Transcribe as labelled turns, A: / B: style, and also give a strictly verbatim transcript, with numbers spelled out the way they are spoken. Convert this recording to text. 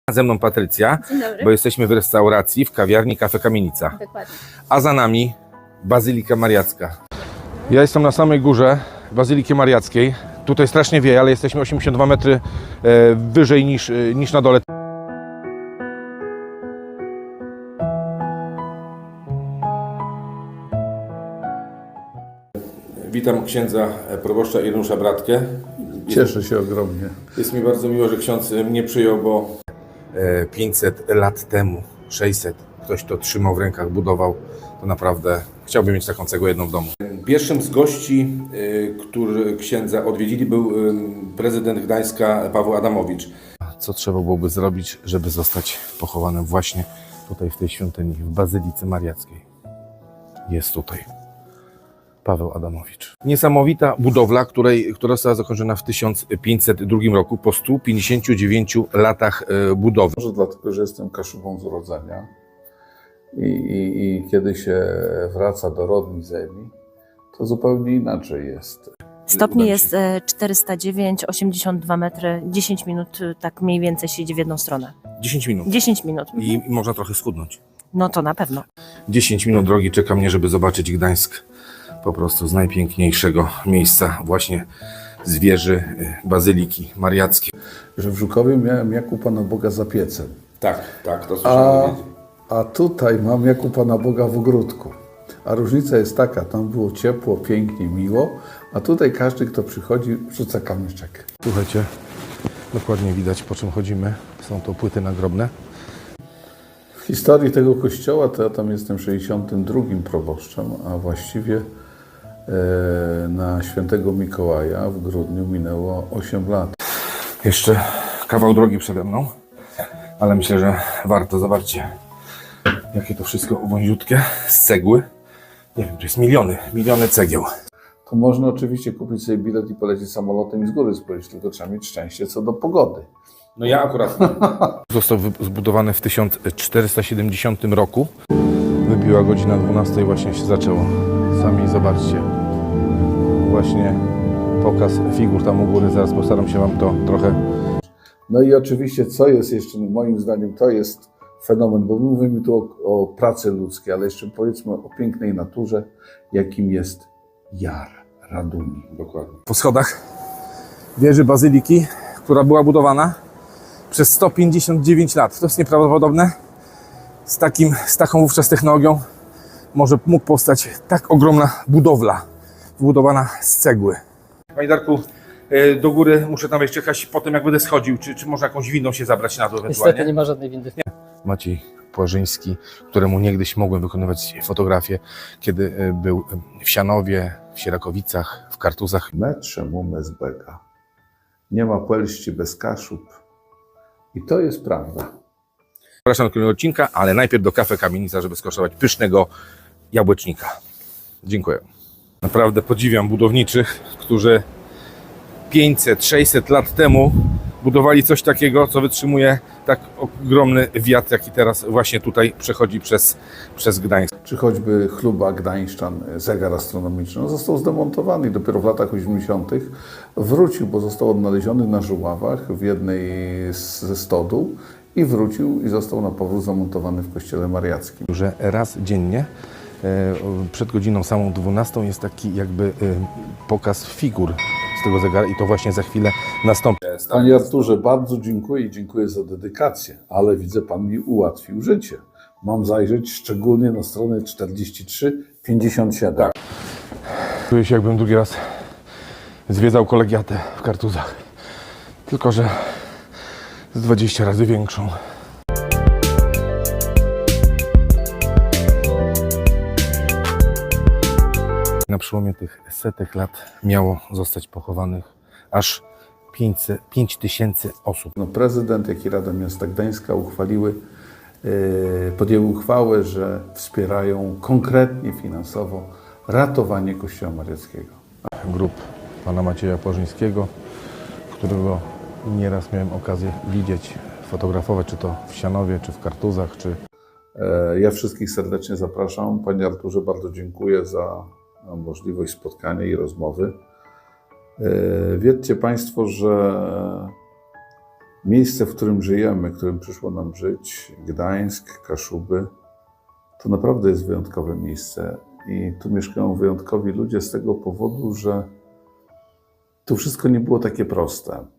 A: Ze mną Patrycja, bo jesteśmy w restauracji, w kawiarni Kafe Kamienica.
B: Dokładnie.
A: A za nami Bazylika Mariacka. Ja jestem na samej górze Bazyliki Mariackiej. Tutaj strasznie wieje, ale jesteśmy osiemdziesiąt dwa metry e, wyżej niż, e, niż na dole. Witam księdza proboszcza Ireneusza Bratkę.
C: Cieszę się ogromnie.
A: Jest mi bardzo miło, że ksiądz mnie przyjął, bo pięćset lat temu, sześćset, ktoś to trzymał w rękach, budował, to naprawdę chciałbym mieć taką cegłę jedną w domu. Pierwszym z gości, który księdza odwiedzili, był prezydent Gdańska Paweł Adamowicz. Co trzeba byłoby zrobić, żeby zostać pochowanym właśnie tutaj w tej świątyni, w Bazylice Mariackiej? Jest tutaj Paweł Adamowicz. Niesamowita budowla, której, która została zakończona w tysiąc pięćset drugim roku, po stu pięćdziesięciu dziewięciu latach budowy.
C: Może dlatego, że jestem Kaszubą z urodzenia i, i, i kiedy się wraca do rodnej ziemi, to zupełnie inaczej jest.
B: Stopni jest czterysta dziewięć, osiemdziesiąt dwa metry, dziesięć minut tak mniej więcej się idzie w jedną stronę.
A: dziesięć minut.
B: dziesięć minut.
A: I, I można trochę schudnąć.
B: No to na pewno.
A: dziesięć minut drogi czeka mnie, żeby zobaczyć Gdańsk. Po prostu z najpiękniejszego miejsca, właśnie z wieży Bazyliki Mariackiej.
C: Że w Żukowie miałem jak u Pana Boga za piecem.
A: Tak, tak, to
C: A,
A: słyszałem.
C: a tutaj mam jak u Pana Boga w ogródku. A różnica jest taka, tam było ciepło, pięknie, miło, a tutaj każdy, kto przychodzi, rzuca kamyczek.
A: Słuchajcie, dokładnie widać, po czym chodzimy. Są to płyty nagrobne.
C: W historii tego kościoła to ja tam jestem sześćdziesiątym drugim proboszczem, a właściwie e, na świętego Mikołaja w grudniu minęło osiem lat.
A: Jeszcze kawał drogi przede mną, ale myślę, że warto. Zobaczcie, jakie to wszystko wąziutkie, z cegły. Nie wiem, to jest miliony, miliony cegieł.
C: To można oczywiście kupić sobie bilet i polecieć samolotem i z góry spojrzeć, tylko trzeba mieć szczęście co do pogody.
A: No ja akurat. Został zbudowany w tysiąc czterysta siedemdziesiątym roku. Wybiła godzina dwunasta i właśnie się zaczęło. Sami zobaczcie. Właśnie pokaz figur tam u góry. Zaraz postaram się Wam to trochę...
C: No i oczywiście, co jest jeszcze, moim zdaniem, to jest fenomen, bo mówimy tu o, o pracy ludzkiej, ale jeszcze powiedzmy o pięknej naturze, jakim jest Jar Raduni.
A: Dokładnie. Po schodach wieży Bazyliki, która była budowana przez sto pięćdziesiąt dziewięć lat. To jest nieprawdopodobne. Z, takim, z taką wówczas technologią może mógł powstać tak ogromna budowla, wybudowana z cegły. Panie Darku, do góry muszę tam jeszcze jechać potem, jak będę schodził. Czy, czy można jakąś windą się zabrać na dół ewentualnie?
D: Niestety nie ma żadnej windy.
A: Maciej Płażyński, któremu niegdyś mogłem wykonywać fotografię, kiedy był w Sianowie, w Sierakowicach, w Kartuzach.
C: Metrze mu mezbega. Nie ma Polści bez Kaszub. I to jest prawda.
A: Zapraszam do kolejnego odcinka, ale najpierw do Kafe Kamienica, żeby skosztować pysznego jabłecznika. Dziękuję. Naprawdę podziwiam budowniczych, którzy pięćset sześćset lat temu budowali coś takiego, co wytrzymuje tak ogromny wiatr, jaki teraz właśnie tutaj przechodzi przez, przez Gdańsk.
C: Czy choćby chluba Gdańszczan, zegar astronomiczny, on został zdemontowany i dopiero w latach osiemdziesiątych wrócił, bo został odnaleziony na Żuławach w jednej ze stodół i wrócił i został na powrót zamontowany w kościele mariackim.
A: Że raz dziennie przed godziną samą dwunastą jest taki jakby pokaz figur z tego zegara i to właśnie za chwilę nastąpi.
C: Panie Arturze, bardzo dziękuję i dziękuję za dedykację, ale widzę, Pan mi ułatwił życie. Mam zajrzeć szczególnie na stronę czterdzieści trzy pięćdziesiąt siedem.
A: Tak. Czuję się, jakbym drugi raz zwiedzał kolegiatę w Kartuzach, tylko że z dwadzieścia razy większą. Na przełomie tych setek lat miało zostać pochowanych aż pięć tysięcy osób.
C: No, prezydent, jak i Rada Miasta Gdańska uchwaliły, yy, podjęły uchwałę, że wspierają konkretnie finansowo ratowanie Kościoła Mariackiego.
A: Grup pana Macieja Płażyńskiego, którego nieraz miałem okazję widzieć, fotografować, czy to w Sianowie, czy w Kartuzach, czy...
C: Yy, ja wszystkich serdecznie zapraszam. Panie Arturze, bardzo dziękuję za możliwość spotkania i rozmowy. Wiedzcie Państwo, że miejsce, w którym żyjemy, w którym przyszło nam żyć, Gdańsk, Kaszuby, to naprawdę jest wyjątkowe miejsce i tu mieszkają wyjątkowi ludzie z tego powodu, że to wszystko nie było takie proste.